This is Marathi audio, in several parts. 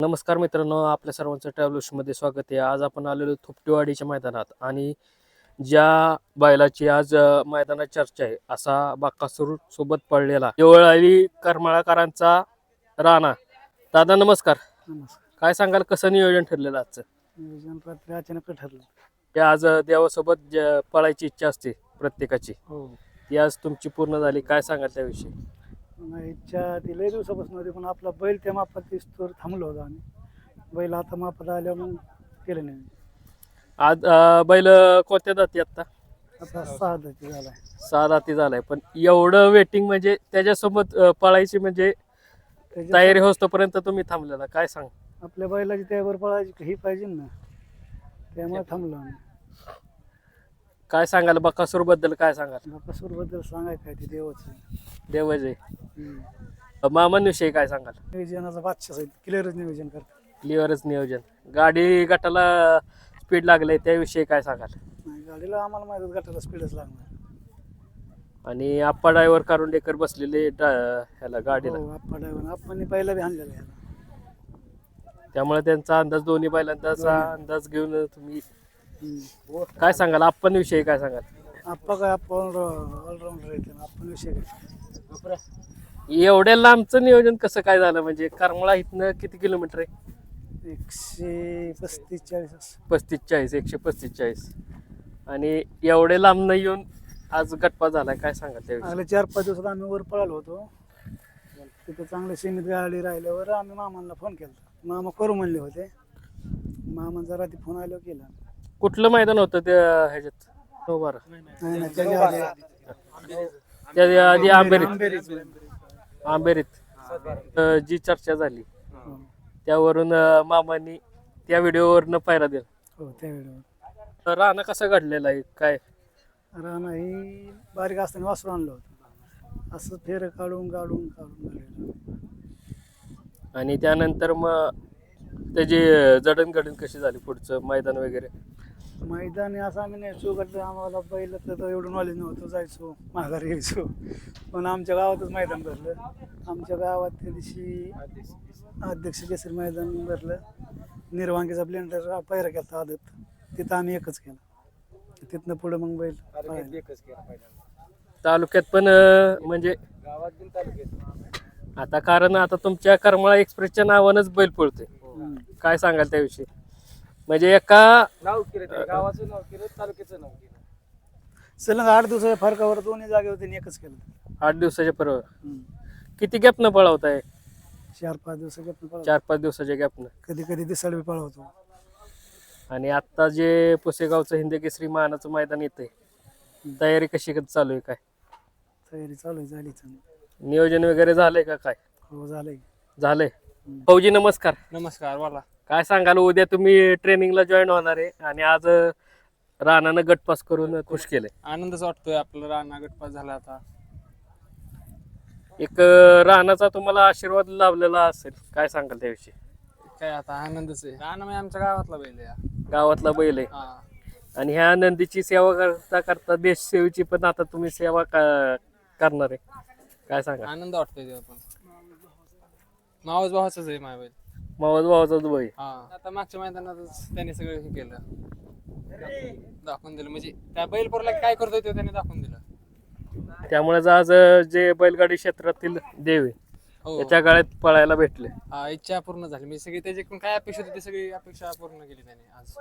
नमस्कार मित्रांनो, आपल्या सर्वांचं ट्रॅव्हल्समध्ये स्वागत आहे. आज आपण आलेलो थोपटेवाडीच्या मैदानात आणि ज्या बैलाची आज मैदानात चर्चा आहे असा बाकासूर सोबत पडलेला देवळाली करमाळकरांचा राणा. दादा नमस्कार. नमस्कार. काय सांगाल, कसं नियोजन ठरलेलं आजचं? नियोजन रात्री अचानक ठरलं. ते आज देवासोबत पळायची इच्छा असते प्रत्येकाची, हो, ती आज तुमची पूर्ण झाली. काय सांगाल त्याविषयी? नाही इच्छा ती लय दिवसापासून होती, पण आपला बैल त्या मापात दिसतो थांबलो होतो आम्ही. बैल आता मापात आल्यावर मग केलं नाही. आज बैल कोणत्या जाती आता? आता 6 दाती झालाय. 6 दाती झालाय, पण एवढं वेटिंग म्हणजे त्याच्यासोबत पळायची म्हणजे त्याच्या तयारी होतोपर्यंत तुम्ही थांबलेला. काय सांग? आपल्या बैलाची त्यावर पळायची ही पाहिजे ना, त्यामुळे थांबलो आम्ही. काय सांगाल बकासूर बद्दल? काय सांगाल? बाकासूर बद्दल सांगायचं काय ते देवाचं. देवजय मामांविषयी काय सांगाल? नियोजनाचा बादशाह आहे, क्लिअरच नियोजन करतात. क्लिअरच नियोजन. गाडी गटाला स्पीड लागले त्याविषयी काय सांगाल? नाही, गाडीला आम्हाला माहिती गटाला स्पीडच लागणार. आणि आप्पा ड्रायव्हर कारुंडेकर बसलेले ह्याला गाडीला, हो, आप्पा ड्रायव्हर आपण पहिला बी आणलेला आहे. त्यामुळे त्यांचा अंदाज, दोन्ही बैलांचा अंदाज घेऊन तुम्ही हो. काय सांगाल? आप्पांविषयी काय सांगाल? आप्पा काय आपण ऑलराऊंडर येते ना, आपण विषय काय. एवढ्या लांबचं नियोजन कसं काय झालं? म्हणजे करमाळा इथनं किती किलोमीटर आहे? 135-40. 35-40, 135-40. आणि एवढे लांब नाही येऊन आज गटपा झालाय. काय सांगाल त्याविषयी? आले 4-5 दिवसात आम्ही वर पळालो होतो. तिथे चांगले सीमित गाडी राहिल्यावर आम्ही मामांना फोन केला. मामा करू म्हणले होते. मामांचा रात्री फोन आल्यावर केला. कुठलं मैदान होतं त्या ह्याच्यात? हो बरं. नाही नाही, त्याच्या आधी त्या आधी आंबेरीत आंबेरीच. जी चर्चा झाली हो, त्यावरून मामांनी त्या व्हिडिओवरनं पायरा दिला. हो, त्या वेळेवर तर राणा कसा घडलेला आहे काय? राणा ही बारीक असताना वासरू आणलं होतं. असं फेर काढून काढलेलं. आणि त्यानंतर मग त्याची जडणघडण कशी झाली पुढचं मैदान वगैरे? मैदानी असं आम्ही न्यायचो गट, आम्हाला पहिलं तर एवढं नॉलेज नव्हतं. जायचो माघारी यायचो, पण आमच्या गावातच मैदान भरलं. आमच्या गावात त्या दिवशी अध्यक्ष केसरी मैदान भरलं. निर्वांगीचा ब्लेंडर पैरा केला आदत, तिथं आम्ही एकच केला. तिथनं पुढं मग बैल तालुक्यात पण म्हणजे आता, कारण आता तुमच्या करमाळा एक्सप्रेसच्या नावानंच बैल पळतोय. काय सांगाल त्याविषयी? म्हणजे एका गावाचं नाव केलं, तालुक्याचं नाव केलं. सलग 8 दिवसाच्या फरकावर दोन्ही जागेवर त्यांनी एकच केलं. 8 दिवसाच्या परवा किती गॅपनं पळवताय? 4-5 दिवसाच्या 4-5 दिवसाच्या गॅपनं. कधी कधी दिसाळ बी पळवतो. आणि आता जे पुसेगावचं हिंदकेसरी मानाचं मैदान येतंय, तयारी कशी चालू आहे? काय तयारी चालू आहे, झाली चांगली. नियोजन वगैरे झालंय का? काय हो, झालंय. झालंय? फौजी नमस्कार. नमस्कार बोला. काय सांगाल? उद्या तुम्ही ट्रेनिंगला जॉईन होणार आहे आणि आज राणानं गटपास करून खुश केलंय. आनंदच वाटतोय, आपलं राणा गटपास झाला. आता एक राणाचा तुम्हाला आशीर्वाद लाभलेला असेल, काय सांगाल त्याविषयी? काय आता आनंदच आहे. राणा म्हणजे आमच्या गावातला बैल आहे हा. गावातला बैल आहे हा. आणि ह्या नंदीची सेवा करता करता देशसेवेची पण आता तुम्ही सेवा करणार आहे. काय सांगा? आनंद वाटतोय तेव्हा पण. मावस भावाचाच आहे माझा बैल. मावस भावाचाच बैल. हा, आता मागच्या मैदानातच त्याने सगळं हे केलं, दाखवून दिलं. म्हणजे त्या बैलपोरला काय करतोय ते त्याने दाखवून दिलं. त्यामुळे आज जे बैलगाडी क्षेत्रातील देव आहे हो, त्याच्या गाड्यात पळायला भेटले. हा, इच्छा पूर्ण झाली. म्हणजे सगळी त्याच्याकडून काय अपेक्षा होती, ती सगळी अपेक्षा पूर्ण केली त्याने आज.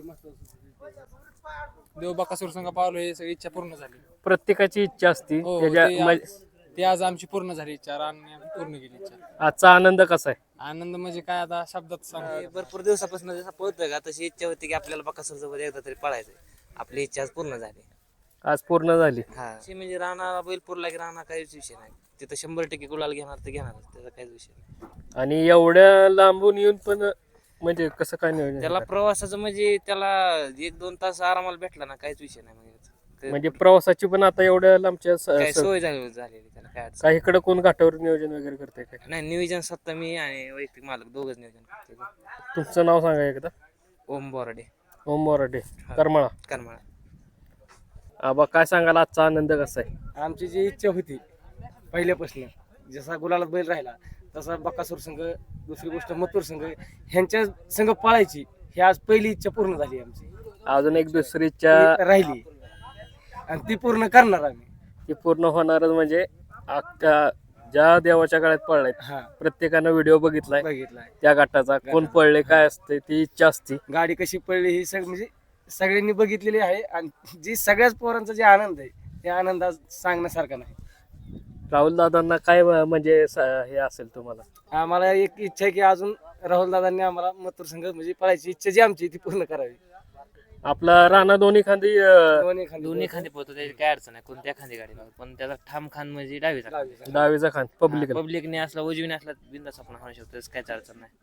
देव बकासूर संघ पावलो, हे सगळी इच्छा पूर्ण झाली. प्रत्येकाची इच्छा असती हो, त्याच्या. ती आज आमची पूर्ण झाली इच्छा. राणने पूर्ण केली इच्छा. आजचा आनंद कसा आहे? आनंद म्हणजे काय आता शब्दात सांग. भरपूर दिवसापासून जसं पळतोय का, तशी इच्छा होती की आपल्याला बकासूर सोबत एकदा तरी पळायचंय. आपली इच्छा आज पूर्ण झाली. आज पूर्ण झाली. हा, म्हणजे राणा बैलपूरला की राणा काहीच विषय नाही. तिथं 100% गुलाल घेणार तर घेणार, त्याचा काहीच विषय नाही. आणि एवढ्या लांबून येऊन पण म्हणजे कसं काय नियोजन? त्याला प्रवासाचं म्हणजे त्याला 1-2 तास आरामाला भेटला ना, काहीच विषय नाही. म्हणजे प्रवासाची पण आता एवढ्या लांबच्या काय सोय झालेली त्याला काय अडचण काही इकडे कोण घाटावर नियोजन वगैरे करते काय? नाही. नियोजन स्वतः मी आणि वैयक्तिक मालक दोघंच नियोजन करतो. तुमचं नाव सांगा एकदा. ओम बोराडे, ओम मोराडे, करमाळा. करमाळा. आबा काय सांगाल? आजचा आनंद कसा आहे? आमची जी इच्छा होती पहिल्यापासून, जसा गुलालात बैल राहिला तसा बकासूर संघ, दुसरी गोष्ट मथुर संघ ह्यांच्या संघ पळायची ही आज पहिली इच्छा पूर्ण झाली आमची. अजून एक दुसरीच्या ती राहिली आणि ती पूर्ण करणार आम्ही. ती पूर्ण होणारच म्हणजे अख्खा ज्या देवाच्या काळात पडलाय हा प्रत्येकानं व्हिडिओ बघितलाय बघितलाय. त्या गटाचा कोण पडले काय असते ती इच्छा असते. गाडी कशी पडली ही म्हणजे सगळ्यांनी बघितलेली आहे आणि जी सगळ्याच पोरांचा जे आनंद आहे ते आनंद आज सांगण्यासारखा नाही. राहुल दादांना काय म्हणजे हे असेल तुम्हाला? आम्हाला एक इच्छा आहे की अजून राहुल दादांनी आम्हाला मथुर संघ म्हणजे पळायची इच्छा जी आमची ती पूर्ण करावी. आपला राणा दोन्ही खांदी दोन्ही खांदे पोहतो त्याची काय अडचण आहे कोणत्या खांदी गाडी लावतो पण त्याचा ठाम खान म्हणजे डावीचा डावीचा. डावीचा खांद पब्लिक पब्लिकने असला उजवीने असला बिंदास आपण हाणू शकतो त्याचं काहीच अडचण नाही.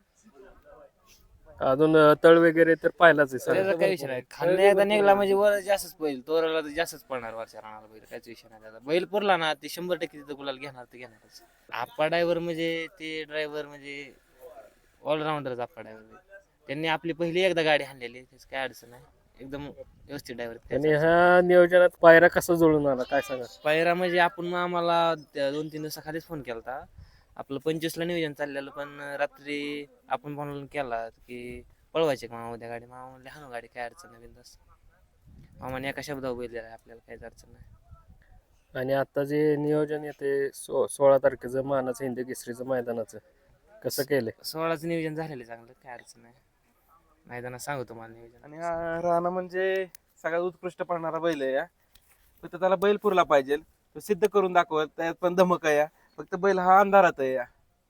अजून तळ वगैरे तर पाहिलाच आहे सर. त्याचा काही विषय नाही खांदा एकदा निघला म्हणजे वर जास्तच पळेल तोराला तर जास्तच पळणार वरच्या राणाला बैल काहीच विषय नाही त्याचा. बैल पुरला ना ते 100% तिथं गुलाल घेणार ते घेणारच. आप्पा ड्रायव्हर म्हणजे ते ड्रायव्हर म्हणजे ऑलराऊंडरच आप्पा ड्रायव्हर. त्यांनी आपली पहिली एकदा गाडी हाणलेली त्याची काय अडचण नाही एकदम व्यवस्थित ड्रायव्हर. आणि ह्या नियोजनात पायरा कसा जुळून आला काय सांगा? पायरा म्हणजे आपण आम्हाला 2-3 दिवसाखालीच फोन केला होता. आपलं 25ला नियोजन चाललेलं पण रात्री आपण फोन केला की पळवायचे का मामा उद्या गाडी. मामा म्हणले हाणू गाडी काय अडचण नाही बिंदास. मामाने एका शब्दावर बैल दिला आपल्याला काहीच अडचण नाही. आणि आता जे नियोजन येते 16 तारखेचं मानाचं हिंद केसरीचं मैदानाचं कसं केलंय? 16चं नियोजन झालेलं चांगलं काय अडचण नाही. मैदानात सांगू तुम्हाला नियोजन. आणि हा राणा म्हणजे सगळ्यात उत्कृष्ट पळणारा बैल आहे या. फक्त त्याला बैल पुरला पाहिजे तो सिद्ध करून दाखवत त्यात पण धमक आहे या. फक्त बैल हा अंधारात आहे या.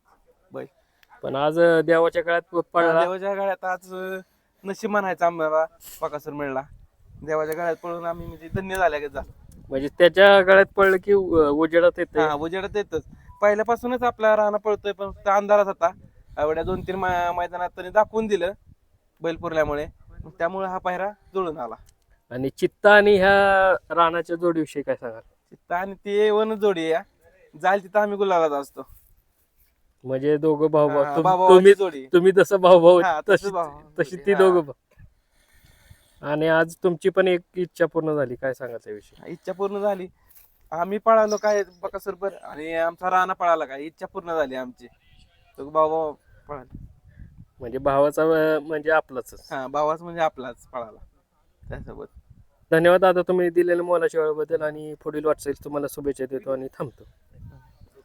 पण आज देवाच्या काळात पडला. देवाच्या गाड्यात आज नशीब म्हणायचं आम्हाला बकासूर मिळला. देवाच्या गाड्यात पळून आम्ही म्हणजे धन्य झाल्या जा. म्हणजे त्याच्या गळ्यात पडलं की उजेडात येते. हा उजेडात येतच पहिल्यापासूनच आपला राणा पळतोय पण फक्त अंधारात होता. एवढ्या 2-3 मैदानात त्यांनी दाखवून दिलं बैल पुरल्यामुळे मग त्यामुळे हा पायरा जुळून आला. आणि चित्ता आणि ह्या राणाच्या जोडीविषयी काय सांगाल? चित्ता आणि ते वन जोडी आहे या. जाईल तिथं आम्ही गुलालात असतो. म्हणजे दोघं भाऊ हा, भाऊ भावाभावाची जोडी. तुम्ही तसं भाऊ भाऊ हा, तसं भाऊ. तशी ती दोघं भाऊ. आणि आज तुमची पण एक इच्छा पूर्ण झाली काय सांगायचा विषय? इच्छा पूर्ण झाली. आम्ही पळालो काय बकासूरभर आणि आमचा राणा पळाला काय इच्छा पूर्ण झाली आमची. तो भाऊ पळाला. म्हणजे भावाचा म्हणजे आपलाच. हा भावाच म्हणजे आपलाच पळाला त्यासोबत. धन्यवाद दादा तुम्ही दिलेल्या मोलाच्या वेळेबद्दल आणि पुढील वाटचाल तुम्हाला शुभेच्छा देतो आणि थांबतो.